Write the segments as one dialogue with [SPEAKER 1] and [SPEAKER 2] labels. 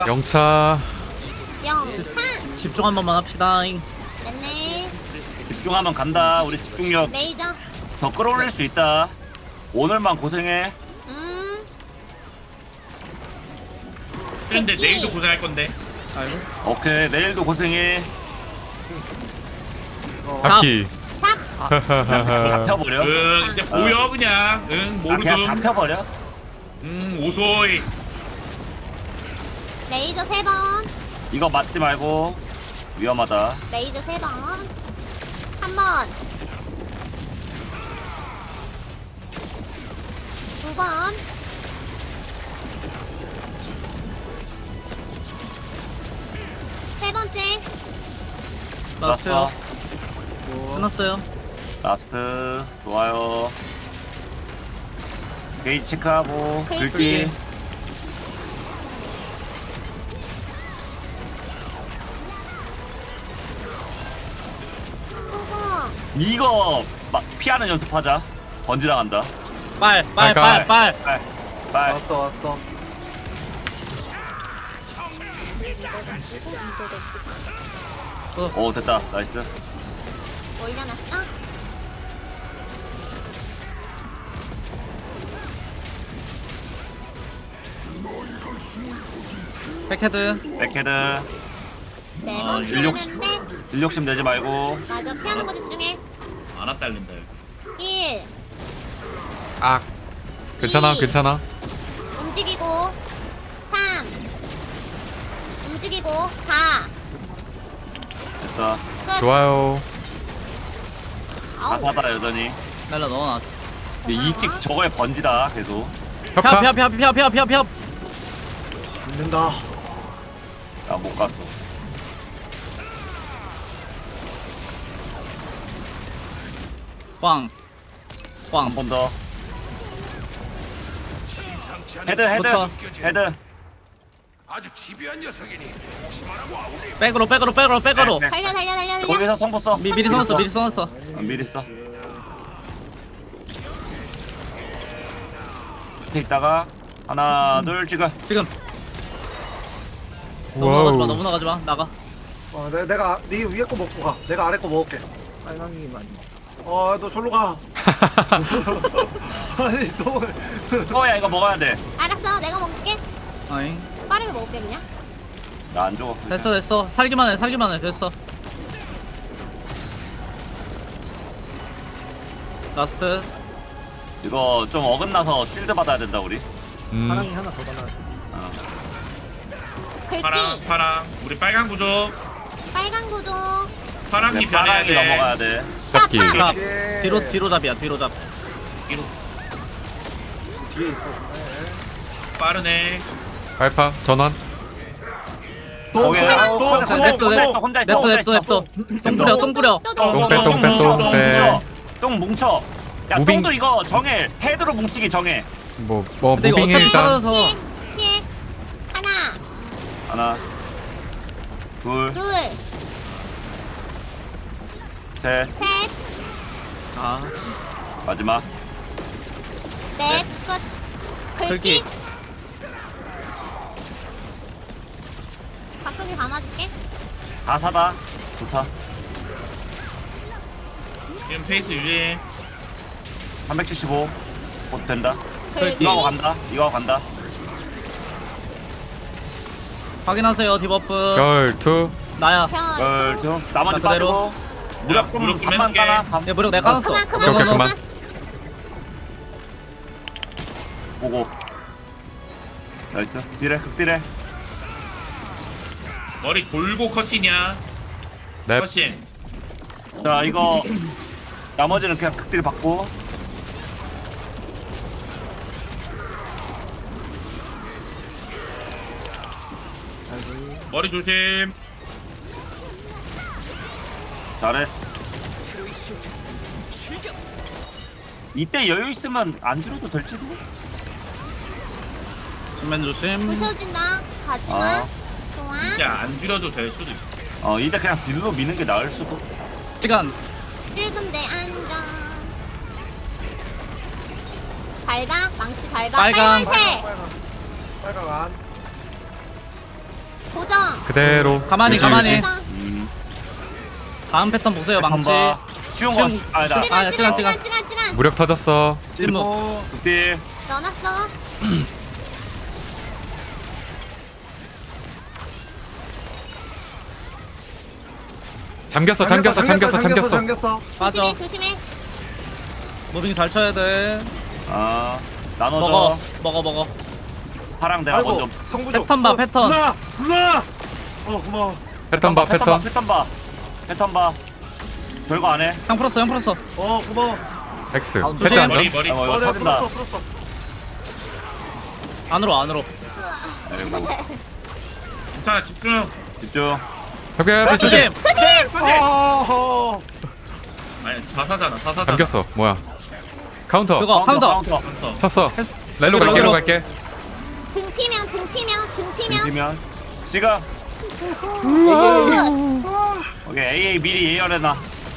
[SPEAKER 1] 영차.
[SPEAKER 2] 영차.
[SPEAKER 3] 집중 한 번만 합시다.
[SPEAKER 2] 네네.
[SPEAKER 4] 집중하면 간다. 우리 집중력
[SPEAKER 2] 레이저.
[SPEAKER 4] 더 끌어올릴 수 있다. 오늘만 고생해.
[SPEAKER 5] 근데 내일도 고생할 건데.
[SPEAKER 3] 아이고.
[SPEAKER 4] 오케이, 내일도 고생해.
[SPEAKER 1] 바퀴.
[SPEAKER 4] 잡혀버려.
[SPEAKER 5] 이제 보여 그냥. 응
[SPEAKER 4] 아, 그냥
[SPEAKER 5] 모르듬.
[SPEAKER 4] 잡혀버려.
[SPEAKER 5] 오소이.
[SPEAKER 2] 레이저 3번.
[SPEAKER 4] 이거 맞지 말고. 위험하다.
[SPEAKER 2] 레이저 3번. 3번. 2번. 세 번째.
[SPEAKER 3] 나왔어요.
[SPEAKER 4] 좋았어.
[SPEAKER 3] 끝났어요.
[SPEAKER 4] 라스트. 좋아요. 게이지 체크하고.
[SPEAKER 2] 긁기.
[SPEAKER 4] 긁기.
[SPEAKER 2] 꿍꿍.
[SPEAKER 4] 이거 피하는 연습하자. 번지 나간다.
[SPEAKER 3] 빨.
[SPEAKER 4] 빨.
[SPEAKER 6] 왔어 왔어.
[SPEAKER 4] 오, 됐다. 나이스.
[SPEAKER 2] 올려놨어.
[SPEAKER 3] 백헤드.
[SPEAKER 4] 백헤드.
[SPEAKER 2] 4번
[SPEAKER 4] 인력-
[SPEAKER 2] 피하는데.
[SPEAKER 4] 일욕심 내지 말고.
[SPEAKER 2] 맞아, 피하는 거 집중해.
[SPEAKER 5] 안 딸린다.
[SPEAKER 2] 1.
[SPEAKER 1] 악. 괜찮아, 괜찮아.
[SPEAKER 2] 움직이고. 3. 움직이고. 4.
[SPEAKER 4] 됐어.
[SPEAKER 2] 끝.
[SPEAKER 1] 좋아요.
[SPEAKER 2] 아우.
[SPEAKER 4] 가사다 여전히.
[SPEAKER 3] 날라 넣어놨어.
[SPEAKER 4] 이찍 저거에 번지다 계속.
[SPEAKER 1] 협파.
[SPEAKER 3] 펴.
[SPEAKER 6] 믿는다.
[SPEAKER 4] 나 못 갔어.
[SPEAKER 3] 꽝.
[SPEAKER 4] 한 번 더. 헤드.
[SPEAKER 3] 좋다.
[SPEAKER 4] 헤드.
[SPEAKER 7] 아주 집요한 녀석이니 조심하라고 아우리.
[SPEAKER 3] 백으로.
[SPEAKER 4] 네.
[SPEAKER 2] 달려.
[SPEAKER 4] 거기서 성부 써.
[SPEAKER 3] 미리 써놨어.
[SPEAKER 4] 미리 써. 밑에 있다가 하나 둘 지금.
[SPEAKER 3] 지금.
[SPEAKER 1] 와우.
[SPEAKER 3] 너무 나가지 마. 나가.
[SPEAKER 6] 내가 네 위에 거 먹고 가. 내가 아래 거 먹을게. 빨강이만. 너 절로 가. 아니 너.
[SPEAKER 4] 야 이거 먹어야 돼.
[SPEAKER 2] 알았어, 내가 먹을게.
[SPEAKER 3] 아잉.
[SPEAKER 2] 빠르게 먹을게 그냥.
[SPEAKER 4] 나 안 죽어.
[SPEAKER 3] 됐어. 살기만 해. 됐어. 라스트.
[SPEAKER 4] 이거 좀 어긋나서 쉴드 받아야 된다 우리.
[SPEAKER 6] 파랑이 하나 더 달라.
[SPEAKER 2] 긁기.
[SPEAKER 5] 파랑. 우리 빨강 구조.
[SPEAKER 2] 빨간 구조.
[SPEAKER 5] 파랑이 변해야
[SPEAKER 4] 파랑이
[SPEAKER 5] 돼.
[SPEAKER 4] 넘어가야 돼.
[SPEAKER 1] 잡기.
[SPEAKER 3] 자,
[SPEAKER 6] 예.
[SPEAKER 3] 뒤로 잡이야. 뒤로 잡.
[SPEAKER 5] 뒤로.
[SPEAKER 6] 뒤에 있어.
[SPEAKER 5] 빠르네.
[SPEAKER 1] 발파. 전환.
[SPEAKER 4] 거기 혼자 있어.
[SPEAKER 3] 냅둬. 똥 뿌려.
[SPEAKER 4] 똥 뭉쳐. 야
[SPEAKER 1] 무빙.
[SPEAKER 4] 똥도 이거 정해. 헤드로 뭉치기 정해.
[SPEAKER 1] 뭐
[SPEAKER 3] 근데 이거
[SPEAKER 1] 무빙
[SPEAKER 3] 어차피
[SPEAKER 1] 일단.
[SPEAKER 3] 살아서.
[SPEAKER 2] 피해. 하나.
[SPEAKER 4] 하나 둘
[SPEAKER 2] 둘.
[SPEAKER 4] 셋
[SPEAKER 2] 셋.
[SPEAKER 3] 아,
[SPEAKER 4] 마지막.
[SPEAKER 2] 넷. 끝. 긁기.
[SPEAKER 3] 긁기.
[SPEAKER 2] 각성기 감아줄게.
[SPEAKER 4] 가사다. 좋다.
[SPEAKER 5] 지금 페이스 유지.
[SPEAKER 4] 375. 곧 된다.
[SPEAKER 2] 긁기.
[SPEAKER 4] 이거 하고 간다.
[SPEAKER 3] 확인하세요. 디버프.
[SPEAKER 1] 결투.
[SPEAKER 3] 나야.
[SPEAKER 2] 편.
[SPEAKER 4] 좀 나머지
[SPEAKER 3] 나 그대로.
[SPEAKER 4] 빠지고. 무력 좀
[SPEAKER 5] 무력 좀
[SPEAKER 4] 반만
[SPEAKER 5] 해줄게.
[SPEAKER 4] 까나. 반
[SPEAKER 3] 야, 무력 내가 까놨어.
[SPEAKER 2] 그만.
[SPEAKER 4] 보고. 나이스. 딜해 극딜해.
[SPEAKER 5] 머리 돌고 컷이냐?
[SPEAKER 1] 넵.
[SPEAKER 5] 컷이.
[SPEAKER 4] 자 이거 나머지는 그냥 극딜 받고.
[SPEAKER 5] 머리 조심.
[SPEAKER 4] 잘했어. 이때 여유 있으면 안 줄여도 될지도.
[SPEAKER 3] 정면 조심.
[SPEAKER 2] 부셔진다. 가지마.
[SPEAKER 4] 아.
[SPEAKER 2] 좋아.
[SPEAKER 5] 진짜 안 줄여도 될 수도 있어.
[SPEAKER 4] 이때 그냥 딜로 미는 게 나을 수도.
[SPEAKER 3] 시간.
[SPEAKER 2] 찔근데 안정. 밟아. 망치 밟아.
[SPEAKER 3] 빨강.
[SPEAKER 2] 빨간색.
[SPEAKER 6] 빨강 안.
[SPEAKER 1] 그대로
[SPEAKER 3] 가만히,
[SPEAKER 1] 유지,
[SPEAKER 3] 가만히.
[SPEAKER 1] 유지.
[SPEAKER 4] 음.
[SPEAKER 3] 다음 패턴 보세요 망치.
[SPEAKER 4] 한번 쉬운 거.
[SPEAKER 3] 쉬운-
[SPEAKER 4] 아니다.
[SPEAKER 2] 찌간
[SPEAKER 3] 찌간,
[SPEAKER 2] 찌간
[SPEAKER 3] 찌간.
[SPEAKER 2] 찌간 찌간
[SPEAKER 1] 무력 터졌어.
[SPEAKER 3] 찔무.
[SPEAKER 4] 극딜.
[SPEAKER 2] 넣어놨어.
[SPEAKER 1] 잠겼어.
[SPEAKER 3] 빠져.
[SPEAKER 2] 조심해 조심해.
[SPEAKER 3] 무빙 잘 쳐야 돼.
[SPEAKER 4] 아
[SPEAKER 3] 먹어
[SPEAKER 4] 나눠줘.
[SPEAKER 3] 먹어.
[SPEAKER 4] 파랑 내가
[SPEAKER 6] 아이고
[SPEAKER 4] 먼저.
[SPEAKER 6] 성부조
[SPEAKER 3] 패턴 봐, 패턴.
[SPEAKER 6] 누나 고마워.
[SPEAKER 1] 패턴 봐.
[SPEAKER 4] 패턴 봐. 별거 안 해.
[SPEAKER 3] 형 풀었어.
[SPEAKER 6] 고마워.
[SPEAKER 1] X.
[SPEAKER 3] 조심.
[SPEAKER 1] 패턴
[SPEAKER 5] 머리
[SPEAKER 1] 점.
[SPEAKER 5] 머리.
[SPEAKER 4] 이거
[SPEAKER 6] 내가
[SPEAKER 4] 터진다.
[SPEAKER 6] 풀었어.
[SPEAKER 3] 안으로.
[SPEAKER 4] 아이고.
[SPEAKER 5] 괜찮아 집중.
[SPEAKER 4] 집중.
[SPEAKER 1] 협회 조심.
[SPEAKER 3] 조심.
[SPEAKER 2] 조심.
[SPEAKER 6] 어허.
[SPEAKER 5] 아니 사사잖아 사사잖아.
[SPEAKER 1] 잠겼어. 뭐야? 카운터.
[SPEAKER 3] 그거 카운터.
[SPEAKER 1] 쳤어.
[SPEAKER 3] 했어.
[SPEAKER 1] 렐로
[SPEAKER 3] 여기로,
[SPEAKER 1] 갈게. 렐로
[SPEAKER 3] 여기로.
[SPEAKER 1] 갈게.
[SPEAKER 2] 등 피면.
[SPEAKER 4] 뒤면. 지금. 오케이 AA 미리 예열해놔.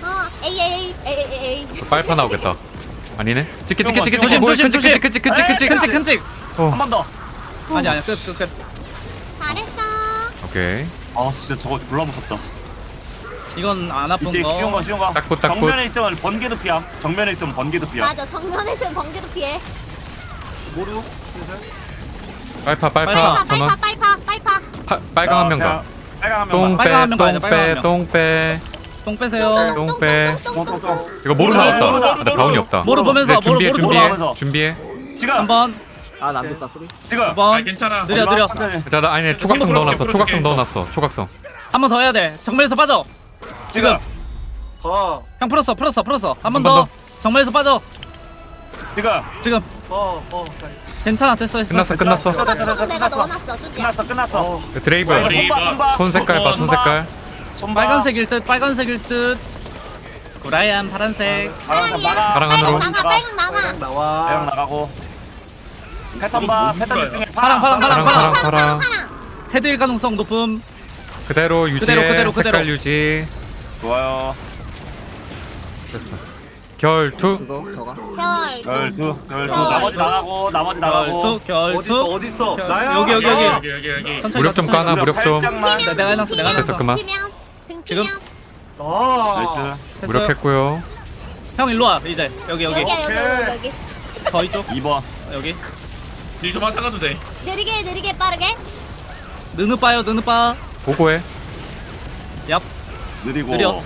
[SPEAKER 2] 에이.
[SPEAKER 1] 빨파 나오겠다. 아니네. 찍기.
[SPEAKER 3] 조심,
[SPEAKER 1] 뭐야,
[SPEAKER 3] 조심,
[SPEAKER 1] 끈찍.
[SPEAKER 3] 끈찍.
[SPEAKER 4] 한 번 더.
[SPEAKER 3] 아니야 끝.
[SPEAKER 2] 잘했어.
[SPEAKER 1] 오케이.
[SPEAKER 4] 아 진짜 저거 졸라 무섭다.
[SPEAKER 3] 이건 안 아픈
[SPEAKER 4] 이제 쉬운
[SPEAKER 3] 거.
[SPEAKER 4] 거.
[SPEAKER 1] 딱붙.
[SPEAKER 4] 정면에 있으면 번개도 피함. 정면에 있으면 번개도 피함.
[SPEAKER 2] 맞아 정면에서 번개도 피해.
[SPEAKER 6] 모루.
[SPEAKER 1] 빨파.
[SPEAKER 3] 빨파.
[SPEAKER 1] 전원.
[SPEAKER 2] 빨파.
[SPEAKER 1] 빨강 한 명 더.
[SPEAKER 4] 빨강 한 명만.
[SPEAKER 3] 빨강 한 명 가야 돼, 빨강 한 명.
[SPEAKER 1] 똥빼.
[SPEAKER 3] 똥 빼세요.
[SPEAKER 1] 똥 빼.
[SPEAKER 2] 똥.
[SPEAKER 1] 이거 모르 나왔다. 근데 바운이 없다.
[SPEAKER 3] 모르 보면서
[SPEAKER 1] 네,
[SPEAKER 3] 모르
[SPEAKER 1] 준비해.
[SPEAKER 4] 지금.
[SPEAKER 3] 한번
[SPEAKER 6] 아안 됐다 소리.
[SPEAKER 4] 지금.
[SPEAKER 5] 아
[SPEAKER 3] 한번
[SPEAKER 5] 괜찮아.
[SPEAKER 3] 느려.
[SPEAKER 4] 천천히.
[SPEAKER 1] 자, 나 아니 초각성
[SPEAKER 5] 성공
[SPEAKER 1] 넣어놨어.
[SPEAKER 5] 풀어줄게.
[SPEAKER 1] 초각성.
[SPEAKER 3] 한 번 더 해야 돼. 정면에서 빠져.
[SPEAKER 4] 지금.
[SPEAKER 6] 가.
[SPEAKER 3] 형 풀었어. 한
[SPEAKER 1] 번
[SPEAKER 3] 번 더.
[SPEAKER 1] 더.
[SPEAKER 3] 정면에서 빠져.
[SPEAKER 4] 지금.
[SPEAKER 3] 괜찮아 됐어.
[SPEAKER 1] 끝났어.
[SPEAKER 2] 조금 내가 넣어놨어. 쭈지야.
[SPEAKER 4] 끝났어.
[SPEAKER 1] 드레이브.
[SPEAKER 5] 머리.
[SPEAKER 1] 손 색깔 봐. 손 색깔.
[SPEAKER 3] 빨간색일 듯. 구라얀 파란색.
[SPEAKER 4] 파란색 나가.
[SPEAKER 1] 파랑 안으로.
[SPEAKER 2] 빨강 나가.
[SPEAKER 4] 대형
[SPEAKER 6] 나와.
[SPEAKER 4] 나가고. 패턴 봐. 패턴 집중해.
[SPEAKER 1] 파랑.
[SPEAKER 3] 헤드일 가능성 높음.
[SPEAKER 1] 그대로 유지해.
[SPEAKER 3] 그대로.
[SPEAKER 1] 색깔 유지.
[SPEAKER 4] 좋아요.
[SPEAKER 1] 됐어. 결투.
[SPEAKER 4] 열두. 나머지 나가고.
[SPEAKER 3] 결투.
[SPEAKER 6] 어딨어?
[SPEAKER 3] 결-
[SPEAKER 6] 나야.
[SPEAKER 3] 여기.
[SPEAKER 5] 여기.
[SPEAKER 3] 천천히
[SPEAKER 1] 무력 좀 까나. 무력 좀.
[SPEAKER 4] 살짝만.
[SPEAKER 3] 내가 해놨어.
[SPEAKER 1] 됐어, 그만.
[SPEAKER 2] 등
[SPEAKER 3] 지금?
[SPEAKER 2] 피면.
[SPEAKER 4] 나이스.
[SPEAKER 3] 됐어요.
[SPEAKER 1] 무력했고요.
[SPEAKER 3] 형 일로 와 이제 여기
[SPEAKER 2] 여기.
[SPEAKER 3] 더 이쪽
[SPEAKER 4] 2번.
[SPEAKER 3] 여기
[SPEAKER 5] 딜좀 하다가도 돼.
[SPEAKER 2] 느리게 빠르게.
[SPEAKER 3] 느느 빠요.
[SPEAKER 1] 보고해.
[SPEAKER 3] 얍.
[SPEAKER 4] 느리고.
[SPEAKER 3] 느려.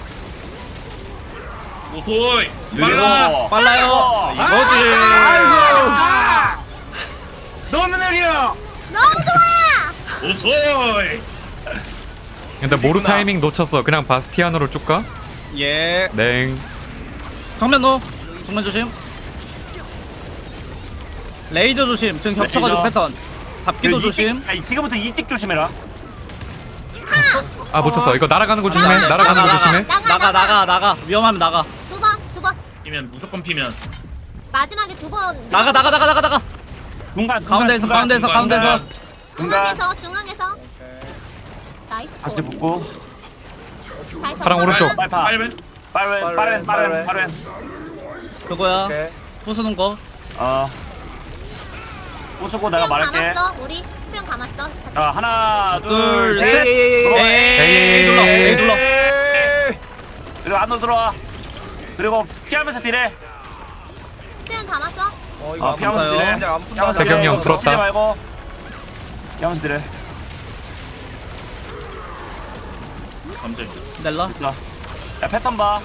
[SPEAKER 5] 오소이.
[SPEAKER 4] 느리고.
[SPEAKER 3] 빨라요. 이거지.
[SPEAKER 6] 너무 느려.
[SPEAKER 2] 너무 좋아.
[SPEAKER 5] 오소이.
[SPEAKER 1] 근데 모루 타이밍 놓쳤어. 그냥 바스티안으로 쭉 가.
[SPEAKER 3] 예.
[SPEAKER 1] 냉.
[SPEAKER 3] 정면 조심. 레이저 조심. 지금 겹쳐가지고
[SPEAKER 4] 레이저.
[SPEAKER 3] 패턴. 잡기도
[SPEAKER 4] 이직-
[SPEAKER 3] 조심.
[SPEAKER 4] 아니, 지금부터 이직 조심해라.
[SPEAKER 1] 아 붙었어. 이거 날아가는 거 조심해. 날아가는 거 조심해.
[SPEAKER 3] 나가. 위험하면 나가.
[SPEAKER 2] 두 번.
[SPEAKER 5] 피면 무조건 피면.
[SPEAKER 2] 마지막에 두 번.
[SPEAKER 3] 나가.
[SPEAKER 4] 중간.
[SPEAKER 3] 가운데에서.
[SPEAKER 2] 중앙에서. 나이스.
[SPEAKER 4] 다시 붙고.
[SPEAKER 2] 다시
[SPEAKER 1] 파랑 오른쪽.
[SPEAKER 4] 빨파.
[SPEAKER 5] 빨면.
[SPEAKER 4] 빠른.
[SPEAKER 3] 그거야.
[SPEAKER 6] 오케이.
[SPEAKER 3] 부수는 거.
[SPEAKER 4] 부수고 내가
[SPEAKER 2] 수영
[SPEAKER 4] 말할게.
[SPEAKER 2] 감았어. 우리 수영 감았어.
[SPEAKER 4] 자 하나
[SPEAKER 3] 둘,
[SPEAKER 4] 둘
[SPEAKER 3] 셋.
[SPEAKER 4] 셋.
[SPEAKER 3] 에이 눌러. 에이 눌러.
[SPEAKER 4] 그리고 안으로 들어와. 그리고 피하면서 딜해.
[SPEAKER 2] 수영 감았어.
[SPEAKER 3] 이거
[SPEAKER 4] 피하면서
[SPEAKER 3] 감사해요.
[SPEAKER 4] 딜해.
[SPEAKER 6] 그냥 안 푼다.
[SPEAKER 4] 피하면서
[SPEAKER 1] 태경이
[SPEAKER 4] 딜해.
[SPEAKER 1] 형 풀었다.
[SPEAKER 4] 놓치지 말고. 피하면서 딜해.
[SPEAKER 5] 감정.
[SPEAKER 3] 넬라.
[SPEAKER 4] 됐어. 야 패턴 봐.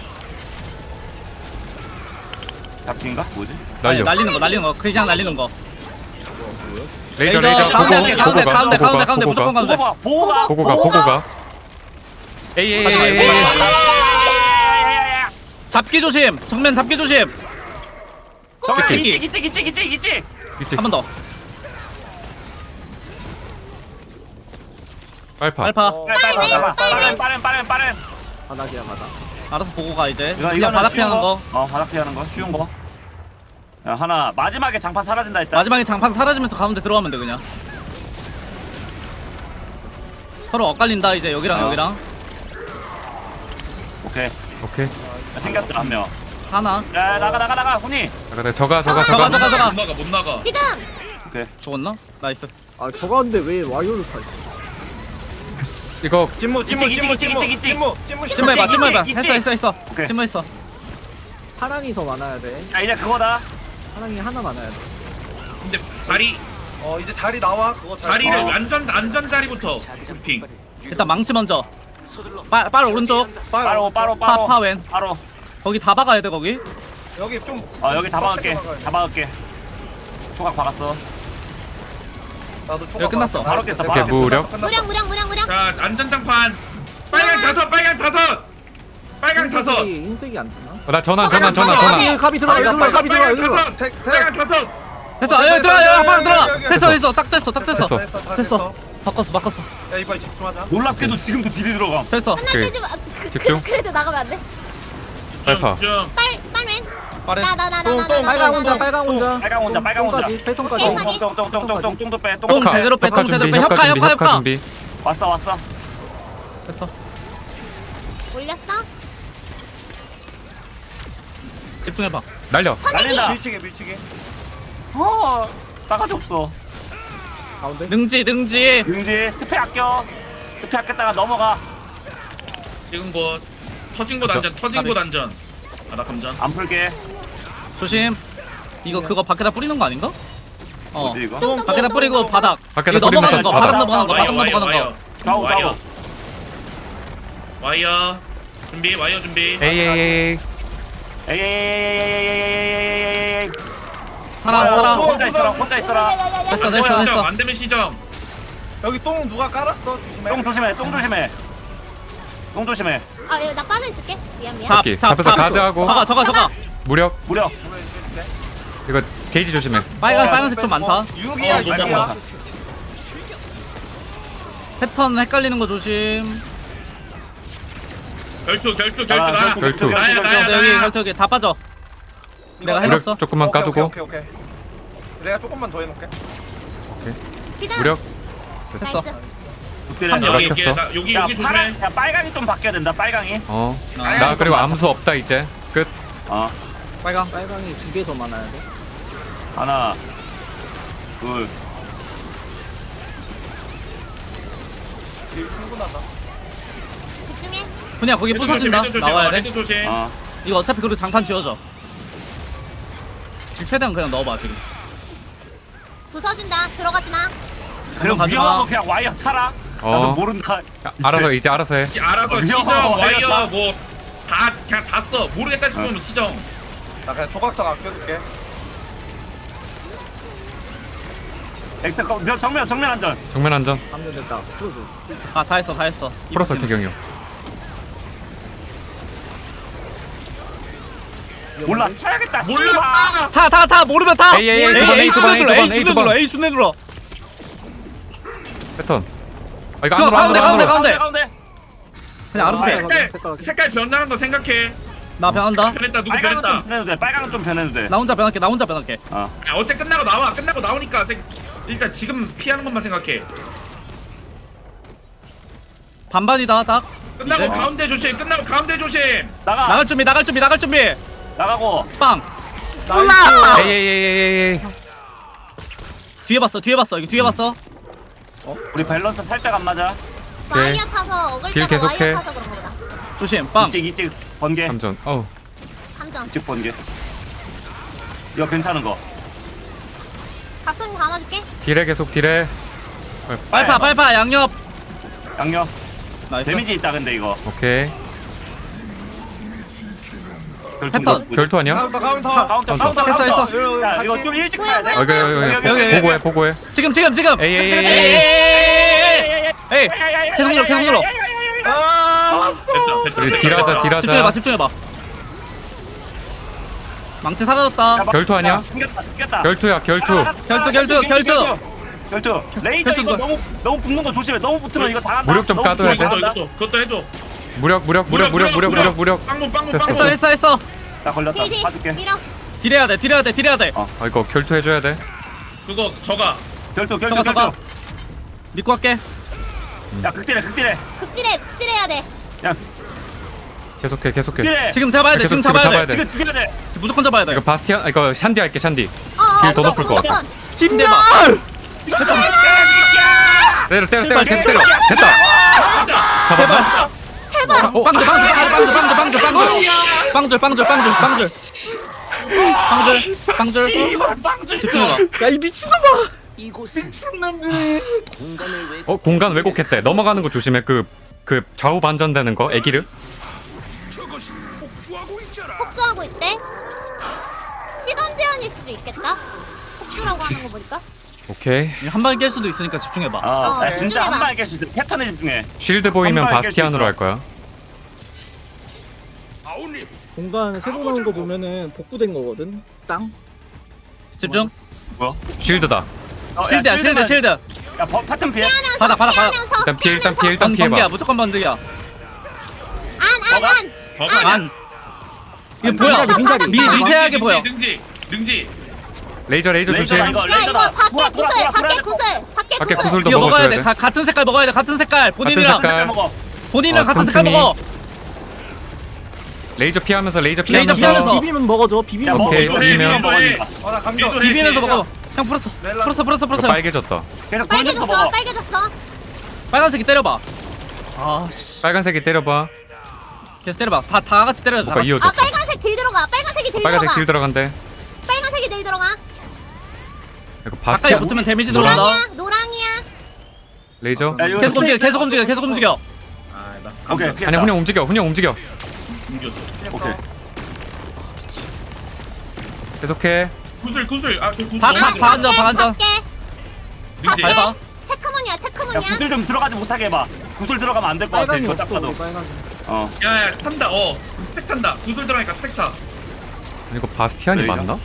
[SPEAKER 4] 잡기인가? 뭐지?
[SPEAKER 1] 날려.
[SPEAKER 3] 날리는 거. 그냥 날리는 거.
[SPEAKER 1] 레이저.
[SPEAKER 3] 가운데 무조건 가운데.
[SPEAKER 4] 보고 가.
[SPEAKER 1] 에이.
[SPEAKER 3] 잡기 조심. 정면 잡기 조심.
[SPEAKER 4] 이찍.
[SPEAKER 3] 한 번 더.
[SPEAKER 1] 빨파.
[SPEAKER 3] 알파.
[SPEAKER 4] 빠른.
[SPEAKER 3] 알아서 보고 가 이제.
[SPEAKER 4] 이거
[SPEAKER 3] 그냥 바닥 피하는 거.
[SPEAKER 4] 바닥 피하는 거 쉬운 거. 야 하나 마지막에 장판 사라진다 했다.
[SPEAKER 3] 마지막에 장판 사라지면서 가운데 들어가면 돼 그냥. 서로 엇갈린다 이제 여기랑
[SPEAKER 4] 어.
[SPEAKER 3] 여기랑.
[SPEAKER 4] 오케이. 야, 생겼다 한 명.
[SPEAKER 3] 하나.
[SPEAKER 4] 야 나가 훈이.
[SPEAKER 1] 잠깐 저가.
[SPEAKER 5] 못 나가.
[SPEAKER 2] 지금.
[SPEAKER 4] 오케이.
[SPEAKER 3] 죽었나? 나이스.
[SPEAKER 8] 아 저거 근데 왜 와이어를 타?
[SPEAKER 1] 이거
[SPEAKER 6] 찜무
[SPEAKER 4] 있지, 있지.
[SPEAKER 3] 찜무해봐 찜무해봐.
[SPEAKER 4] 있지.
[SPEAKER 3] 했어
[SPEAKER 4] 오케이.
[SPEAKER 3] 찜무했어.
[SPEAKER 8] 하랑이 더 많아야 돼.
[SPEAKER 4] 자 이제 그거다.
[SPEAKER 8] 하랑이 하나 많아야 돼.
[SPEAKER 5] 근데 자리
[SPEAKER 6] 이제 자리 나와. 그거
[SPEAKER 5] 자리를
[SPEAKER 6] 어.
[SPEAKER 5] 안전 자리부터 핑.
[SPEAKER 3] 일단 망치 먼저. 빨 오른쪽.
[SPEAKER 4] 빠로
[SPEAKER 3] 파왼.
[SPEAKER 4] 바로.
[SPEAKER 3] 거기 다 박아야 돼 거기.
[SPEAKER 6] 여기 좀.
[SPEAKER 4] 여기 다 박을게.
[SPEAKER 6] 빡세게 박아야
[SPEAKER 4] 다 박을게. 초각 박았어.
[SPEAKER 6] 나도 초과
[SPEAKER 3] 여기 끝났어.
[SPEAKER 4] 바로 깼어.
[SPEAKER 1] 오케이
[SPEAKER 4] 바로 깼어.
[SPEAKER 1] 무력.
[SPEAKER 2] 무력.
[SPEAKER 5] 자 안전장판. 빨강 다섯. 빨강 다섯.
[SPEAKER 8] 흰색이 안 뜨나?
[SPEAKER 1] 나 전환
[SPEAKER 8] 갑이 들어가.
[SPEAKER 6] 빨간,
[SPEAKER 8] 여기로 가. 갑이 들어가.
[SPEAKER 5] 빨강
[SPEAKER 8] 여기로 가.
[SPEAKER 5] 다섯. 빨강 다섯.
[SPEAKER 3] 됐어. 여기 들어가. 여기 바로 들어가.
[SPEAKER 6] 여기, 여기.
[SPEAKER 3] 됐어. 딱 됐어.
[SPEAKER 1] 됐어.
[SPEAKER 3] 됐어. 바꿨어.
[SPEAKER 6] 야 이번에 집중하자.
[SPEAKER 4] 놀랍게도 지금도 딜이 들어가.
[SPEAKER 3] 됐어.
[SPEAKER 2] 끝날 때지 마.
[SPEAKER 1] 집중.
[SPEAKER 2] 그래도 나가면 안 돼.
[SPEAKER 1] 알파.
[SPEAKER 5] 좀.
[SPEAKER 2] 빨맨.
[SPEAKER 3] 빠른.
[SPEAKER 8] 빨강 혼자. 빨강 혼자.
[SPEAKER 4] 빨강 혼자.
[SPEAKER 8] 똥까지. 패턴까지.
[SPEAKER 2] 오케이.
[SPEAKER 4] 똥도 빼.
[SPEAKER 3] 똥 제대로 빼. 똥 제대로 빼. 협카.
[SPEAKER 1] 준비.
[SPEAKER 4] 왔어.
[SPEAKER 3] 됐어.
[SPEAKER 2] 올렸어?
[SPEAKER 3] 집중해봐.
[SPEAKER 1] 날려.
[SPEAKER 4] 날린다.
[SPEAKER 6] 밀치게.
[SPEAKER 4] 싸가지 없어.
[SPEAKER 8] 가운데.
[SPEAKER 3] 능지.
[SPEAKER 4] 능지 스페 아껴. 스페 아꼈다가 넘어가.
[SPEAKER 5] 지금 곧 터진 곳 안전. 나 감전.
[SPEAKER 4] 안 풀게.
[SPEAKER 3] 조심. 이거 그거 밖에다 뿌리는 거 아닌가?
[SPEAKER 4] 뭐지 이거?
[SPEAKER 3] 밖에다 뿌리고 바닥.
[SPEAKER 1] 밖에다
[SPEAKER 3] 이거 넘어가는
[SPEAKER 1] 뿌리면서
[SPEAKER 3] 거. 바닥
[SPEAKER 1] 바닥.
[SPEAKER 3] 넘어가는 거.
[SPEAKER 4] 좌우.
[SPEAKER 5] 와이어 준비.
[SPEAKER 1] 에이.
[SPEAKER 4] 에이.
[SPEAKER 3] 살아.
[SPEAKER 4] 혼자 있어라.
[SPEAKER 3] 됐어.
[SPEAKER 5] 안 되면 시정.
[SPEAKER 6] 여기 똥 누가 깔았어? 조심해.
[SPEAKER 4] 똥 조심해.
[SPEAKER 2] 나 빠져 있을게. 미안.
[SPEAKER 1] 잡혀서 가드하고.
[SPEAKER 3] 저거.
[SPEAKER 1] 무력.
[SPEAKER 4] 무력.
[SPEAKER 1] 이거 게이지 조심해.
[SPEAKER 3] 빨간색 좀 많다.
[SPEAKER 6] 6이야.
[SPEAKER 4] 빨간
[SPEAKER 3] 패턴 헷갈리는 거 조심.
[SPEAKER 5] 결투
[SPEAKER 1] 결투.
[SPEAKER 5] 나야.
[SPEAKER 3] 여기 다 빠져. 내가
[SPEAKER 1] 무력
[SPEAKER 3] 해놨어.
[SPEAKER 1] 조금만 까두고.
[SPEAKER 6] 오케이. 내가 조금만 더 해놓을게.
[SPEAKER 2] 지금.
[SPEAKER 1] 무력.
[SPEAKER 3] 됐어.
[SPEAKER 5] 여기
[SPEAKER 4] 야,
[SPEAKER 5] 조심해.
[SPEAKER 4] 야 빨강이 좀 바뀌어야 된다. 빨강이.
[SPEAKER 1] 나 그리고 암수 없다 이제. 끝.
[SPEAKER 3] 빨강.
[SPEAKER 8] 빨강이 2개 더 많아야 돼.
[SPEAKER 4] 하나, 둘.
[SPEAKER 6] 충분하다.
[SPEAKER 2] 집중해.
[SPEAKER 3] 그냥 거기 부서진다. 나와야 돼.
[SPEAKER 5] 헤드 조심.
[SPEAKER 3] 이거 어차피 그리고 장판 지워져. 지금 최대한 그냥 넣어봐 지금.
[SPEAKER 2] 부서진다. 들어가지 마.
[SPEAKER 4] 그리고
[SPEAKER 3] 가지 마.
[SPEAKER 4] 위험한 거 그냥 와이어 차라. 나도 모른다.
[SPEAKER 1] 알아서 해.
[SPEAKER 5] 알아서 시정
[SPEAKER 4] 위험하다.
[SPEAKER 5] 와이어 그냥 다 써. 모르겠다 싶으면 시정.
[SPEAKER 6] 나 그냥 조각석 아껴줄게.
[SPEAKER 4] 엑셀 정면 안전.
[SPEAKER 1] 정면 안전.
[SPEAKER 8] 감면 됐다. 풀어줘.
[SPEAKER 3] 다 했어.
[SPEAKER 1] 풀었어 태경이 형.
[SPEAKER 4] 몰라 쳐야겠다.
[SPEAKER 5] 몰라.
[SPEAKER 3] 다 모르면 다.
[SPEAKER 1] A 두 번.
[SPEAKER 3] A 순에 눌러.
[SPEAKER 1] 패턴. 이거
[SPEAKER 3] 그거
[SPEAKER 1] 안으로.
[SPEAKER 4] 가운데.
[SPEAKER 3] 그냥 알아서 해.
[SPEAKER 5] 색깔 변하는 거 생각해.
[SPEAKER 3] 나 변한다.
[SPEAKER 5] 변했다. 누구
[SPEAKER 4] 빨강은 좀
[SPEAKER 5] 변했다.
[SPEAKER 4] 변해도 돼. 빨강은 좀 변해도 돼.
[SPEAKER 3] 나 혼자 변할게.
[SPEAKER 5] 어째 끝나고 나오니까 일단 지금 피하는 것만 생각해.
[SPEAKER 3] 반반이다 딱.
[SPEAKER 5] 끝나고
[SPEAKER 3] 이제?
[SPEAKER 5] 가운데 조심. 끝나고 가운데 조심.
[SPEAKER 4] 나가.
[SPEAKER 3] 나갈 준비.
[SPEAKER 4] 나가고.
[SPEAKER 3] 빵.
[SPEAKER 1] 에이.
[SPEAKER 3] 뒤에 봤어. 이거 뒤에 봤어.
[SPEAKER 4] 우리 밸런스 살짝 안 맞아.
[SPEAKER 2] 와이어 타서 어글
[SPEAKER 1] 딜
[SPEAKER 2] 때가
[SPEAKER 1] 계속해.
[SPEAKER 2] 와이어 타서 그런 거다.
[SPEAKER 3] 조심. 빵.
[SPEAKER 4] 이찍 번개.
[SPEAKER 1] 감전.
[SPEAKER 2] 감정.
[SPEAKER 4] 이찍 번개. 이거 괜찮은 거.
[SPEAKER 2] 각성기 감아줄게.
[SPEAKER 1] 딜해 계속 딜해.
[SPEAKER 3] 빨파 양옆.
[SPEAKER 4] 양념.
[SPEAKER 3] 나이스.
[SPEAKER 4] 데미지 있다 근데 이거.
[SPEAKER 1] 오케이.
[SPEAKER 3] 패턴.
[SPEAKER 1] 결투 아니야?
[SPEAKER 6] 카운터.
[SPEAKER 3] 했어.
[SPEAKER 4] 야 이거 좀 일찍 가야 돼.
[SPEAKER 1] 여기 보고해.
[SPEAKER 3] 지금.
[SPEAKER 1] 에이.
[SPEAKER 3] 계속 눌러.
[SPEAKER 5] 됐다.
[SPEAKER 1] 우리 딜하자.
[SPEAKER 3] 집중해봐. 망치 사라졌다.
[SPEAKER 1] 결투 아니야?
[SPEAKER 4] 죽겠다.
[SPEAKER 1] 결투야.
[SPEAKER 3] 결투.
[SPEAKER 4] 레이저 이거 너무 붙는 거 조심해. 너무 붙으면 이거 당한다.
[SPEAKER 1] 무력 좀
[SPEAKER 4] 너무
[SPEAKER 1] 까둬야 돼.
[SPEAKER 4] 붙으면 당한다.
[SPEAKER 5] 그것도 해줘.
[SPEAKER 1] 무력.
[SPEAKER 5] 빵문.
[SPEAKER 3] 했어.
[SPEAKER 4] 나 걸렸다.
[SPEAKER 2] 딜.
[SPEAKER 4] 봐줄게.
[SPEAKER 2] 밀어.
[SPEAKER 3] 딜해야 돼.
[SPEAKER 1] 이거 결투 해줘야 돼.
[SPEAKER 5] 그거 저가.
[SPEAKER 4] 결투.
[SPEAKER 3] 저거. 믿고 할게.
[SPEAKER 4] 야 극딜해.
[SPEAKER 2] 극딜해야 돼.
[SPEAKER 4] 야
[SPEAKER 1] 계속해.
[SPEAKER 4] 극딜해.
[SPEAKER 3] 지금 잡아야 돼.
[SPEAKER 1] 지금 잡아야 돼.
[SPEAKER 4] 지금 죽여야 돼.
[SPEAKER 3] 무조건 잡아야 돼.
[SPEAKER 1] 이거 바스티안 이거 샨디 할게 샨디. 딜 더 높을 거.
[SPEAKER 2] 무조건.
[SPEAKER 3] 침대봐.
[SPEAKER 1] 때려 계속 때려. 됐다. 잡았나?
[SPEAKER 2] 제발.
[SPEAKER 1] 어?
[SPEAKER 3] 빵줄
[SPEAKER 4] 이발 빵줄
[SPEAKER 3] 집중해봐.
[SPEAKER 8] 야이 미친놈아.
[SPEAKER 1] 공간 왜곡했대. 넘어가는 거 조심해. 그 좌우 반전되는 거 애기를.
[SPEAKER 7] 저것이 폭주하고 있잖아.
[SPEAKER 2] 폭주하고 있대. 시간 제한일 수도 있겠다. 폭주라고 하는 거 보니까.
[SPEAKER 1] 오케이.
[SPEAKER 3] 한 방에 깰 수도 있으니까 집중해봐.
[SPEAKER 4] 야, 진짜
[SPEAKER 2] 집중해봐.
[SPEAKER 4] 한 방에 깰 수 있어. 패턴에 집중해.
[SPEAKER 1] 쉴드 보이면
[SPEAKER 4] 한 방에 깰수
[SPEAKER 1] 바스티안으로
[SPEAKER 4] 있어.
[SPEAKER 1] 할 거야.
[SPEAKER 7] 아우님,
[SPEAKER 8] 공간 새로 나온 거 보면은 복구된 거거든. 땅.
[SPEAKER 3] 집중.
[SPEAKER 1] 쉴드다.
[SPEAKER 3] 실드야 실드.
[SPEAKER 4] 야, 패턴 피해.
[SPEAKER 3] 받아.
[SPEAKER 1] 일단 피해 일단 피해 일단
[SPEAKER 3] 번개야
[SPEAKER 1] 피해봐.
[SPEAKER 3] 무조건 번개야.
[SPEAKER 2] 안.
[SPEAKER 3] 안. 이게 뭐야?
[SPEAKER 8] 빈자리.
[SPEAKER 3] 미세하게 보여.
[SPEAKER 5] 능지.
[SPEAKER 1] 레이저 조심.
[SPEAKER 4] 레이저다 이거
[SPEAKER 2] 야 이거
[SPEAKER 4] 레이저다.
[SPEAKER 2] 밖에 구슬. 밖에 구슬.
[SPEAKER 1] 밖에
[SPEAKER 2] 밖에 구슬.
[SPEAKER 1] 구슬도
[SPEAKER 3] 이거 먹어야
[SPEAKER 1] 먹어줘야
[SPEAKER 3] 돼.
[SPEAKER 1] 돼.
[SPEAKER 3] 같은 색깔 먹어야 돼. 같은 색깔. 본인이랑
[SPEAKER 1] 색깔.
[SPEAKER 4] 먹어.
[SPEAKER 3] 본인이랑 같은 색깔
[SPEAKER 1] 틈틈이.
[SPEAKER 3] 먹어.
[SPEAKER 1] 레이저 피하면서
[SPEAKER 3] 레이저 피하면서.
[SPEAKER 8] 비비면 먹어줘.
[SPEAKER 4] 야,
[SPEAKER 8] 비비면
[SPEAKER 4] 먹어.
[SPEAKER 1] 오케이,
[SPEAKER 4] 이거
[SPEAKER 1] 비비면.
[SPEAKER 4] 비비면 먹으니까.
[SPEAKER 6] 어나 감정.
[SPEAKER 3] 비비면서 먹어. 형 풀었어.
[SPEAKER 1] 이거 빨개졌다.
[SPEAKER 4] 계속 돌면서
[SPEAKER 2] 빨개졌어.
[SPEAKER 4] 먹어.
[SPEAKER 2] 빨개졌어.
[SPEAKER 3] 빨간색이 때려봐. 아씨.
[SPEAKER 1] 빨간색이 때려봐.
[SPEAKER 3] 계속 때려봐. 다 같이 때려야 돼. 다
[SPEAKER 1] 오빠
[SPEAKER 3] 같이.
[SPEAKER 1] 이어져.
[SPEAKER 2] 아 빨간색 딜 들어가. 빨간색이 딜
[SPEAKER 1] 빨간색
[SPEAKER 2] 들어가.
[SPEAKER 1] 길 들어간대.
[SPEAKER 2] 빨간색이 딜 들어가.
[SPEAKER 1] 이거
[SPEAKER 3] 가까이
[SPEAKER 1] 바스티안
[SPEAKER 3] 붙으면 데미지 들어간다.
[SPEAKER 2] 노랑이야.
[SPEAKER 1] 레이저.
[SPEAKER 4] 야, 이거
[SPEAKER 3] 계속 움직여.
[SPEAKER 4] 오케이.
[SPEAKER 1] 아니야 훈영 움직여.
[SPEAKER 5] 옮겼어.
[SPEAKER 4] 오케이.
[SPEAKER 1] 계속해.
[SPEAKER 5] 구슬. 저 구슬.
[SPEAKER 3] 다 반전.
[SPEAKER 2] 밖에.
[SPEAKER 5] 능지.
[SPEAKER 3] 잘 봐.
[SPEAKER 2] 체크문이야.
[SPEAKER 4] 야,
[SPEAKER 2] 체크문이야.
[SPEAKER 4] 구슬 좀 들어가지 못하게 해봐. 구슬 들어가면 안 될 것 같아.
[SPEAKER 8] 빨강이
[SPEAKER 4] 이거
[SPEAKER 8] 없어.
[SPEAKER 4] 딱 봐도.
[SPEAKER 8] 우리 빨강.
[SPEAKER 4] 어.
[SPEAKER 5] 야 탄다. 스택 탄다. 구슬 들어가니까 스택 차.
[SPEAKER 1] 이거 바스티안이
[SPEAKER 4] 레이저?
[SPEAKER 1] 맞나?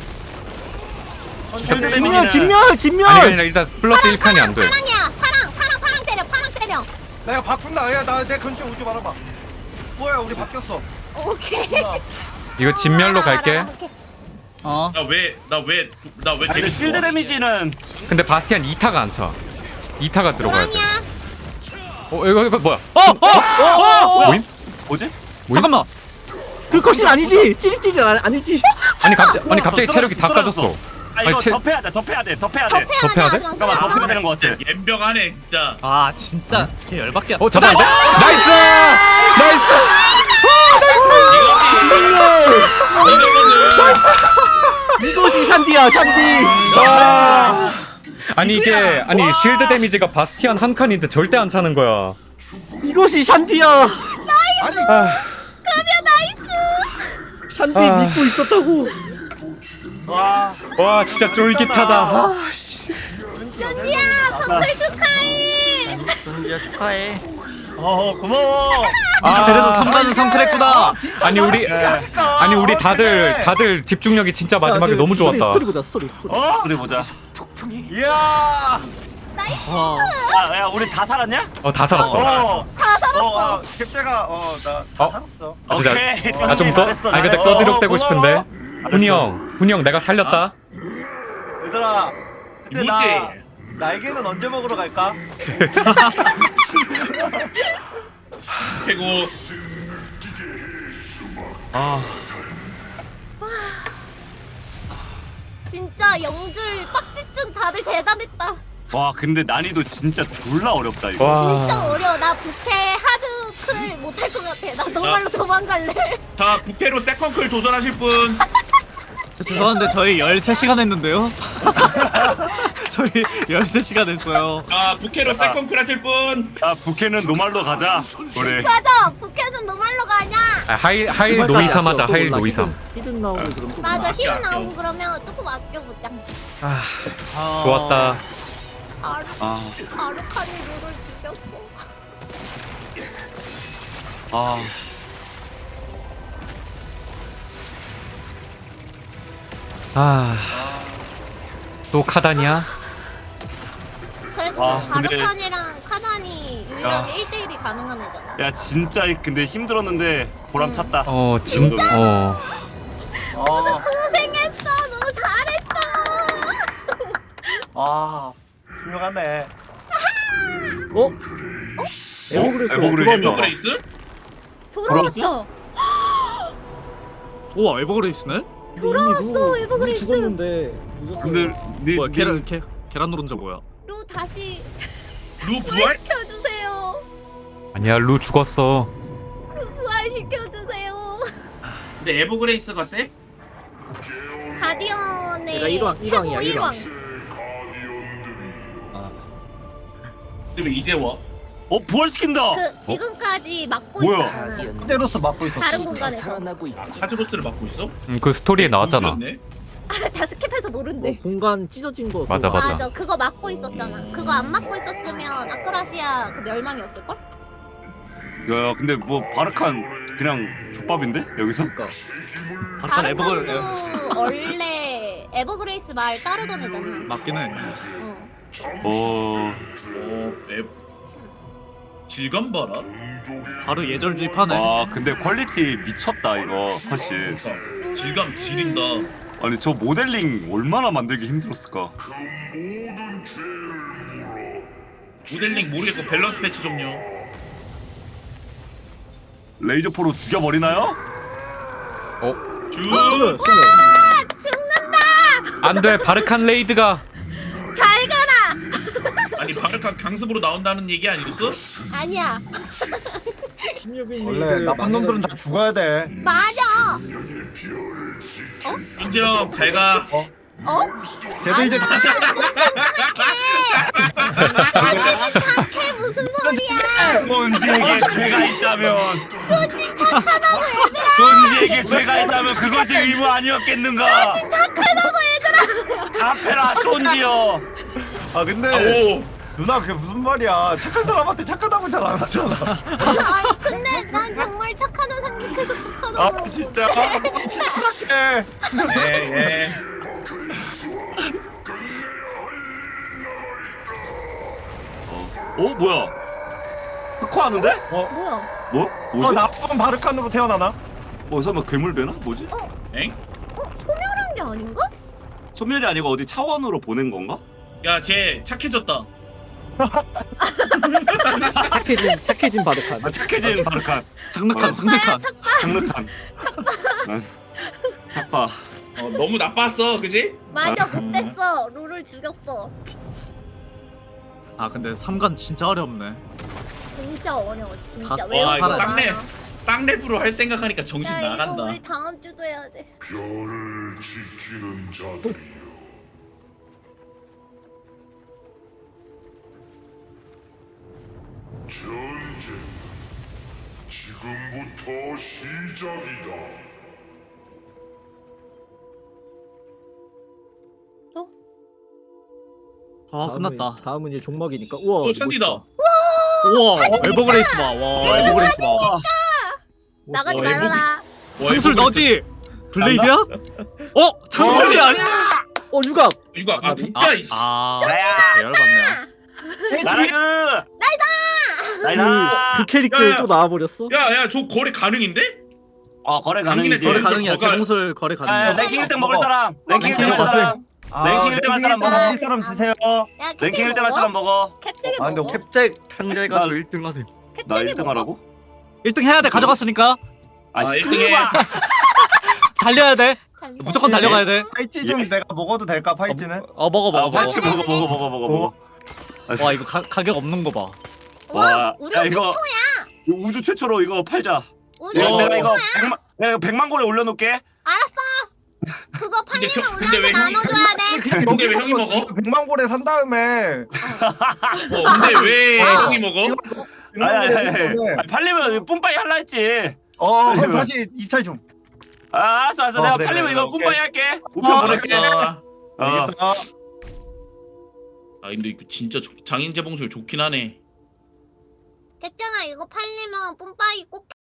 [SPEAKER 8] 진멸.
[SPEAKER 1] 아니 일단 플러스 1칸이 안 돼.
[SPEAKER 2] 파랑이야. 파랑 때려.
[SPEAKER 6] 내가 바꾼다. 야나내 근처 오지 말아봐. 뭐야 우리 바뀌었어.
[SPEAKER 2] 오케이.
[SPEAKER 1] 이거 진멸로 갈게.
[SPEAKER 3] 어.
[SPEAKER 5] 나왜
[SPEAKER 4] 근데 실드 데미지는
[SPEAKER 1] 근데 바스티안 2타가 안 차. 2타가 들어가야 돼.
[SPEAKER 2] 노랑이야.
[SPEAKER 1] 이거 뭐야? 모임?
[SPEAKER 4] 뭐지?
[SPEAKER 3] 잠깐만.
[SPEAKER 8] 그것이 아니지. 찌릿찌릿 아니지.
[SPEAKER 1] 아니 갑자기 체력이 다
[SPEAKER 4] 쓰러졌어.
[SPEAKER 1] 까졌어.
[SPEAKER 4] 아 이거
[SPEAKER 1] 아니,
[SPEAKER 4] 덮해야 돼.
[SPEAKER 2] 덮해야
[SPEAKER 1] 덮해야
[SPEAKER 2] 돼.
[SPEAKER 1] 돼?
[SPEAKER 2] 아직 안
[SPEAKER 4] 잠깐만
[SPEAKER 2] 끝났어.
[SPEAKER 4] 덮해야 되는 것 같아.
[SPEAKER 5] 옌병하네 진짜.
[SPEAKER 3] 아 진짜 걔 열받게.
[SPEAKER 1] 잡았는데? 나이스!
[SPEAKER 8] 이것이 샨디야. 샨디.
[SPEAKER 1] 아니 이게 쉴드 데미지가 바스티안 한 칸인데 절대 안 차는 거야.
[SPEAKER 8] 이것이 샨디야.
[SPEAKER 1] 아,
[SPEAKER 8] šan디
[SPEAKER 1] 아.
[SPEAKER 8] 믿고 있었다고.
[SPEAKER 1] 와 진짜 쫄깃하다. 아, 씨.
[SPEAKER 2] 준지야, 방글 축하해.
[SPEAKER 6] 고마워.
[SPEAKER 1] 아,
[SPEAKER 3] 그래도 3반은 성클했구나.
[SPEAKER 1] 아니 우리 다들 집중력이 진짜 마지막에
[SPEAKER 8] 야,
[SPEAKER 1] 너무 좋았다.
[SPEAKER 8] 스토리 보자. 스토리.
[SPEAKER 4] 우리 보자.
[SPEAKER 6] 이야.
[SPEAKER 4] 야 우리 다 살았냐?
[SPEAKER 1] 다 살았어.
[SPEAKER 2] 다 살았어.
[SPEAKER 6] 캡제가 나 살았어.
[SPEAKER 1] 아, 진짜.
[SPEAKER 4] 오케이.
[SPEAKER 1] 좀 더?
[SPEAKER 4] 잘했어,
[SPEAKER 1] 아니 근데
[SPEAKER 4] 잘했어.
[SPEAKER 1] 꺼드력대고 싶은데. 훈이 형 내가 살렸다.
[SPEAKER 6] 얘들아. 근데
[SPEAKER 5] 이모지.
[SPEAKER 6] 나 날개는 언제 먹으러 갈까?
[SPEAKER 5] 최고.
[SPEAKER 2] 진짜 영줄 빡집중 다들 대단했다.
[SPEAKER 4] 와 근데 난이도 진짜 졸라 어렵다 이거.
[SPEAKER 1] 와.
[SPEAKER 2] 진짜 어려워. 나 부캐 하드 클 못할 것 같아. 나 정말로 도망갈래.
[SPEAKER 5] 자 부캐로 세컨클 도전하실 분.
[SPEAKER 3] 죄송한데 저희 13시간 했는데요. 저희 13시간 했어요.
[SPEAKER 5] 자 부캐로 세컨클 하실 분.
[SPEAKER 4] 야 부캐는 노말로 가자. 우리.
[SPEAKER 2] 맞아. 부캐는 노말로 가냐?
[SPEAKER 1] 하일 노이사 맞아. 하일 노이사.
[SPEAKER 8] 히든 나오고 그럼 또
[SPEAKER 2] 맞아.
[SPEAKER 5] 아껴,
[SPEAKER 2] 힐은
[SPEAKER 5] 아껴.
[SPEAKER 2] 나오고 그러면 조금 아껴보자.
[SPEAKER 1] 아, 좋았다.
[SPEAKER 2] 아르카니 룰을 죽였어.
[SPEAKER 1] 또 카단이야?
[SPEAKER 2] 그래도
[SPEAKER 4] 근데-
[SPEAKER 2] 아르카니랑 카단이 유일하게 1대1이 가능한 애잖아.
[SPEAKER 4] 야 진짜 근데 힘들었는데 보람 찼다.
[SPEAKER 1] 진짜.
[SPEAKER 2] 고생했어. 너무 잘했어.
[SPEAKER 6] 훌륭하네.
[SPEAKER 8] 에버그레스
[SPEAKER 4] 에버그레스.
[SPEAKER 8] 들어왔나?
[SPEAKER 5] 그레이스?
[SPEAKER 2] 돌아왔어.
[SPEAKER 3] 우와 에버그레이스네?
[SPEAKER 2] 돌아왔어, 에버그레이스.
[SPEAKER 8] 죽었는데 늦었어.
[SPEAKER 4] 근데
[SPEAKER 3] 뭐야 계란 노른자 뭐야?
[SPEAKER 2] 루 다시
[SPEAKER 5] 루 부활?
[SPEAKER 2] 켜주세요.
[SPEAKER 1] 아니야 루 죽었어.
[SPEAKER 2] 부활시켜주세요.
[SPEAKER 5] 근데 에버그레이스가 세?
[SPEAKER 2] 가디언의
[SPEAKER 8] 내가 일왕,
[SPEAKER 2] 최고
[SPEAKER 8] 일왕이야, 일왕.
[SPEAKER 5] 근데 왜 이제 와?
[SPEAKER 4] 부활시킨다.
[SPEAKER 2] 그 지금까지 막고
[SPEAKER 4] 뭐야?
[SPEAKER 2] 있었잖아.
[SPEAKER 6] 때로서 막고 있었어.
[SPEAKER 2] 다른 공간에서.
[SPEAKER 5] 카즈로스를 맡고 있어?
[SPEAKER 1] 그 스토리에 나왔잖아.
[SPEAKER 5] 무수였네?
[SPEAKER 2] 다 스킵해서 모른대.
[SPEAKER 8] 공간 찢어진 거.
[SPEAKER 1] 맞아,
[SPEAKER 8] 그거.
[SPEAKER 1] 맞아.
[SPEAKER 2] 그거 막고 있었잖아. 그거 안 막고 있었으면 아크라시아 그 멸망이었을 걸?
[SPEAKER 4] 야 근데 뭐 바르칸 그냥 족밥인데 여기서?
[SPEAKER 8] 그러니까.
[SPEAKER 3] 바르칸 에버글
[SPEAKER 2] 바르칸도 원래 에버그레이스 말 따르던 애잖아.
[SPEAKER 3] 맞긴 해.
[SPEAKER 2] 응.
[SPEAKER 5] 질감 봐라.
[SPEAKER 3] 바로 예절주의 파네.
[SPEAKER 4] 와 근데 퀄리티 미쳤다 이거 컷이.
[SPEAKER 5] 그러니까 질감 지린다.
[SPEAKER 4] 아니 저 모델링 얼마나 만들기 힘들었을까.
[SPEAKER 5] 모델링 모르겠고 밸런스 패치 종료.
[SPEAKER 4] 레이저 포로 죽여버리나요?
[SPEAKER 5] 쭉.
[SPEAKER 1] 안돼 바르칸 레이드가.
[SPEAKER 2] 잘 가라.
[SPEAKER 5] 아니 바르칸 강습으로 나온다는 얘기 아니었어?
[SPEAKER 2] 아니야.
[SPEAKER 8] 16인
[SPEAKER 6] 원래 나쁜 놈들은 다 죽어야 돼.
[SPEAKER 2] 맞아.
[SPEAKER 5] 인정. 잘 가.
[SPEAKER 6] 쟤들 이제 다
[SPEAKER 2] 착해 무슨 소리야?
[SPEAKER 4] 존지에게 죄가 있다면
[SPEAKER 2] 존지 착하다고 얘들아.
[SPEAKER 4] 존지에게 죄가 있다면 그것이 의무 아니었겠는가?
[SPEAKER 2] 착하다고 얘들아.
[SPEAKER 4] 아페라 존지여.
[SPEAKER 6] 아 근데
[SPEAKER 5] 오.
[SPEAKER 6] 누나 그게 무슨 말이야? 착한 사람한테 착하다고 잘 안 하잖아.
[SPEAKER 2] 아니 근데 난 정말 착하다 생각해서 착하다고.
[SPEAKER 6] 아 진짜 진짜 착해.
[SPEAKER 5] 예.
[SPEAKER 4] 뭐야? 흑화하는데?
[SPEAKER 2] 뭐야?
[SPEAKER 4] 뭐? 뭐지?
[SPEAKER 6] 나쁜 바르칸으로 태어나나?
[SPEAKER 4] 설마 괴물 되나? 뭐지?
[SPEAKER 5] 엥?
[SPEAKER 2] 소멸한 게 아닌가?
[SPEAKER 4] 소멸이 아니고 어디 차원으로 보낸 건가?
[SPEAKER 5] 야, 쟤 착해졌다.
[SPEAKER 8] 착해진 바르칸.
[SPEAKER 4] 착해진 바르칸.
[SPEAKER 3] 장르칸 장르칸.
[SPEAKER 4] 장르칸. 착파.
[SPEAKER 5] 너무 나빴어, 그지?
[SPEAKER 2] 맞아 못됐어. 룰을 죽였어.
[SPEAKER 3] 아 근데 3관 진짜 어렵네.
[SPEAKER 2] 진짜 어려워 진짜.
[SPEAKER 3] 와,
[SPEAKER 2] 외우고
[SPEAKER 5] 이거
[SPEAKER 2] 많아.
[SPEAKER 5] 땅랩으로 할 생각하니까 정신
[SPEAKER 2] 야 이거
[SPEAKER 5] 나간다.
[SPEAKER 2] 우리 다음 주도 해야 돼.
[SPEAKER 7] 별을 지키는 자들이여. 전쟁 지금부터 시작이다.
[SPEAKER 3] 아 끝났다.
[SPEAKER 8] 다음은 이제 종막이니까. 우와.
[SPEAKER 5] 또 천디다.
[SPEAKER 8] 멋있다.
[SPEAKER 3] 우와 에버그레이스 봐. 와 에버그레이스 봐.
[SPEAKER 2] 나가지
[SPEAKER 5] 에버기-
[SPEAKER 2] 말아라.
[SPEAKER 3] 창술 너지? 블레이드야? 창술이 아니야.
[SPEAKER 8] 유각.
[SPEAKER 5] 이거 진짜 이씨.
[SPEAKER 3] 열받네.
[SPEAKER 4] 나라그.
[SPEAKER 8] 그 캐릭터
[SPEAKER 5] 야, 야.
[SPEAKER 8] 또 나와버렸어.
[SPEAKER 5] 야, 저 거래 가능인데?
[SPEAKER 4] 거래
[SPEAKER 5] 당신의
[SPEAKER 4] 가능이지.
[SPEAKER 3] 거래
[SPEAKER 5] 제일
[SPEAKER 3] 가능이야.
[SPEAKER 5] 거가-
[SPEAKER 3] 재공술 거래 가능이야.
[SPEAKER 4] 랭킹 1등 먹을 사람. 랭킹 1등
[SPEAKER 3] 랭킹
[SPEAKER 4] 먹을 사람. 랭킹 1등 할 사람 먹어.
[SPEAKER 6] 할 사람 드세요.
[SPEAKER 2] 야
[SPEAKER 4] 랭킹 1등 할 사람 먹어.
[SPEAKER 2] 캡잭이
[SPEAKER 6] 아 근데
[SPEAKER 2] 먹어.
[SPEAKER 6] 캡잭
[SPEAKER 1] 상자에
[SPEAKER 4] 가서
[SPEAKER 1] 1등 하세요.
[SPEAKER 4] 나 1등 하라고?
[SPEAKER 3] 1등 해야 돼. 가져갔으니까
[SPEAKER 5] 1등 해.
[SPEAKER 3] 달려야 돼. 무조건 달려가야 돼.
[SPEAKER 6] 파이치 좀 내가 먹어도 될까 파이치는?
[SPEAKER 3] 먹어.
[SPEAKER 4] 파이치 먹어.
[SPEAKER 3] 와 이거 가격 없는 거 봐.
[SPEAKER 2] 와 우리
[SPEAKER 4] 야,
[SPEAKER 2] 최초야.
[SPEAKER 4] 이거 우주 최초로 이거 팔자.
[SPEAKER 2] 우리
[SPEAKER 4] 내가
[SPEAKER 2] 최초야.
[SPEAKER 4] 이거 100만 골에 올려놓을게.
[SPEAKER 2] 알았어. 그거
[SPEAKER 5] 근데
[SPEAKER 2] 팔리면
[SPEAKER 5] 근데 왜
[SPEAKER 2] 우리한테 나눠줘야 돼.
[SPEAKER 5] 근데 왜 형이 먹어?
[SPEAKER 6] 100만 골에 산 다음에
[SPEAKER 5] 근데 왜 형이 먹어?
[SPEAKER 4] 아니, 팔리면 뿜빠이 할라 했지.
[SPEAKER 6] 그럼 다시 입찰 좀.
[SPEAKER 4] 알았어. 내가
[SPEAKER 6] 그래,
[SPEAKER 4] 팔리면
[SPEAKER 6] 그래,
[SPEAKER 4] 이거
[SPEAKER 6] 오케이.
[SPEAKER 4] 뿜빠이 할게. 우편 보낼게.
[SPEAKER 5] 알았어.
[SPEAKER 6] 알겠어.
[SPEAKER 5] 근데 이거 진짜 장인 재봉술 좋긴 하네.
[SPEAKER 2] 캡잭아 이거 팔리면 뿜빠이 꼭